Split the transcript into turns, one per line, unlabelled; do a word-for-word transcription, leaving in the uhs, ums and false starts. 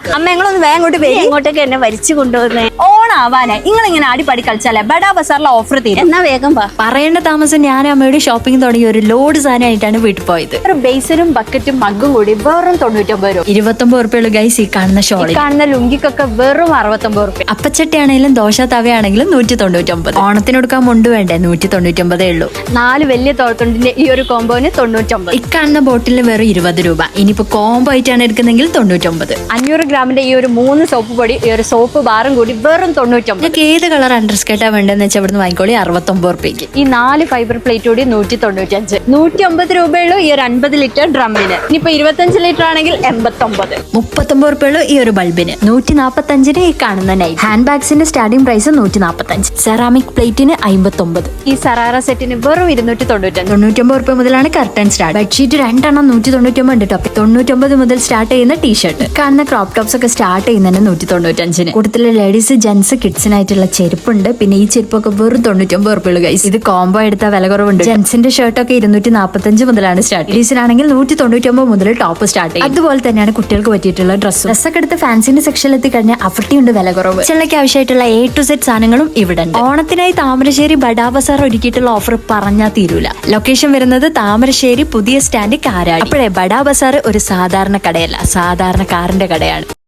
അമ്മ ഞങ്ങളൊന്ന് വേഗം അങ്ങോട്ട് വരും.
എങ്ങോട്ടൊക്കെ എന്നെ വലിച്ചു കൊണ്ടുപോകുന്നേ?
ഓണാവാനെ നിങ്ങൾ ഇങ്ങനെ അടിപടി കളിച്ചാലേ ബഡാ ബസാറിലെ ഓഫർ തീരും.
എന്നാ വേഗം വാ.
പറയേണ്ട താമസം ഞാൻ അമ്മയുടെ ഷോപ്പിംഗ് തുടങ്ങി ഒരു ലോഡ് സാധനമായിട്ടാണ് വീട്ടിൽ പോയത്.
ഒരു ബേസനും ബക്കറ്റും മഗ്ഗും കൂടി വെറും തൊണ്ണൂറ്റൊമ്പത് രൂപ.
ഇരുപത്തൊമ്പത് ഉറുപ്പുള്ളൂ ഗൈസ് ഈ കാണുന്ന ഷോളിൽ.
കാണുന്ന ലുങ്കിക്കൊക്കെ വെറും അറുപത്തൊമ്പത് രൂപ.
അപ്പച്ചട്ടി ആണെങ്കിലും ദോശ തവയാണെങ്കിലും നൂറ്റി തൊണ്ണൂറ്റൊമ്പത്. ഓണത്തിനൊടുക്കാൻ മുണ്ട് വേണ്ടേ നൂറ്റി തൊണ്ണൂറ്റൊമ്പതേ ഉള്ളൂ.
നാല് വലിയ തോളത്തുണ്ടിന്റെ ഈ ഒരു കോമ്പോന് തൊണ്ണൂറ്റൊമ്പത്.
ഈ കാണുന്ന ബോട്ടിലിന് വെറും ഇരുപത് രൂപ. ഇനിയിപ്പോ കോംബോ ആയിട്ടാണ് എടുക്കുന്നെങ്കിൽ തൊണ്ണൂറ്റൊമ്പത്.
അഞ്ഞൂറ് ഗ്രാമിന്റെ ഈ ഒരു മൂന്ന് സോപ്പ് പൊടി ഈ ഒരു സോപ്പ് ബാറും കൂടി വെറും തൊണ്ണൂറ്റൊമ്പത്.
നിങ്ങൾക്ക് ഏത് കളർ അണ്ടർസ്കേർട്ടാ വേണ്ടതെന്ന് വെച്ചാൽ ഇവിടുന്ന് വാങ്ങിക്കോളി അറുപത്തൊമ്പത് റുപ്യക്ക്.
ഈ നാല് ഫൈബർ പ്ലേറ്റ് കൂടി നൂറ്റി തൊണ്ണൂറ്റഞ്ച്. നൂറ്റി അമ്പത് രൂപയുള്ളൂ ഈ ഒരു അൻപത് ലിറ്റർ ഡ്രമ്മിന്. ഇനിയിപ്പോ ഇരുപത്തഞ്ച് ലിറ്റർ ആണെങ്കിൽ എൺപത്തൊമ്പത്.
മുപ്പത്തൊമ്പത് റുപ്യുള്ളൂ ഈ ഒരു ബൾബിന്. നൂറ്റി നാപ്പത്തഞ്ചിന് ഈ കാണുന്ന നൈറ്റ് ഹാൻഡ് ബാഗ്സിന്റെ സ്റ്റാർട്ടിംഗ് പ്രൈസ് നൂറ്റി നാപ്പത്തഞ്ച്. സെറാമിക് പ്ലേറ്റിന് അമ്പത്തൊമ്പത്.
ഈ സറാറ സെറ്റിന് വെറും ഇരുന്നൂറ്റി തൊണ്ണൂറ്റഞ്ച്.
തൊണ്ണൂറ്റൊമ്പത് റുപ്യ മുതലാണ് കർട്ടൻ സ്റ്റാർട്ട്. ബെഡ്ഷീറ്റ് രണ്ടെണ്ണം നൂറ്റി തൊണ്ണൂറ്റൊമ്പത് ഉണ്ട് ടോപ്പ്. തൊണ്ണൂറ്റൊമ്പത് മുതൽ സ്റ്റാർട്ട് ചെയ്യുന്ന ടീഷർട്ട് കാണുന്ന ക്രോപ്പ് ടോപ്സ് ഒക്കെ സ്റ്റാർട്ട് ചെയ്യുന്നതിന് നൂറ്റി തൊണ്ണൂറ്റഞ്ചിന്. കൂടുതൽ ലേഡീസ് ജെന്റ്സ് കിഡ്സിനായിട്ടുള്ള ചെരുപ്പുണ്ട്. പിന്നെ ഈ ചെരുപ്പൊക്കെ വെറും തൊണ്ണൂറ്റൊമ്പത് റുപ്യുള്ളൂ ഗൈസ്. ഇത് കോംബോ എടുത്ത വില കുറവുണ്ട്. ജെന്റ്സിന്റെ ഷർട്ടൊക്കെ ഇരുന്നൂറ്റി നാപ്പത്തഞ്ച് മുതലാണ് സ്റ്റാർട്ട്. ലേഡീസിനാണെങ്കിൽ നൂറ്റി തൊണ്ണൂറ്റൊമ്പത് മുതൽ ടോപ്പ് സ്റ്റാർട്ട് ചെയ്യും. അതുപോലെ തന്നെയാണ് കുട്ടികൾക്ക് പറ്റിയിട്ടുള്ള ഡ്രസ്സ് ഡ്രസ്സൊക്കെ എടുത്ത് ഫാൻസിന്റെ സെക്ഷനിൽ എത്തി കഴിഞ്ഞാൽ അഫർട്ടിയുണ്ട് വില കുറവ്. ചെല്ലയ്ക്ക് ആവശ്യമായിട്ടുള്ള എ ടു സെറ്റ് സാധനങ്ങളും ഇവിടെ ഉണ്ട്. ഓണത്തിനായി താമരശ്ശേരി ബഡാ ബസാർ ഒരുക്കിയിട്ടുള്ള ഓഫർ പറഞ്ഞാൽ തീരൂല. ലൊക്കേഷൻ വരുന്നത് താമരശ്ശേരി പുതിയ സ്റ്റാൻഡ് കാരാടി. അപ്പോഴേ ബഡാ ബസാർ ഒരു സാധാരണ കടയല്ല, സാധാരണ കാറിന്റെ കടയാണ്.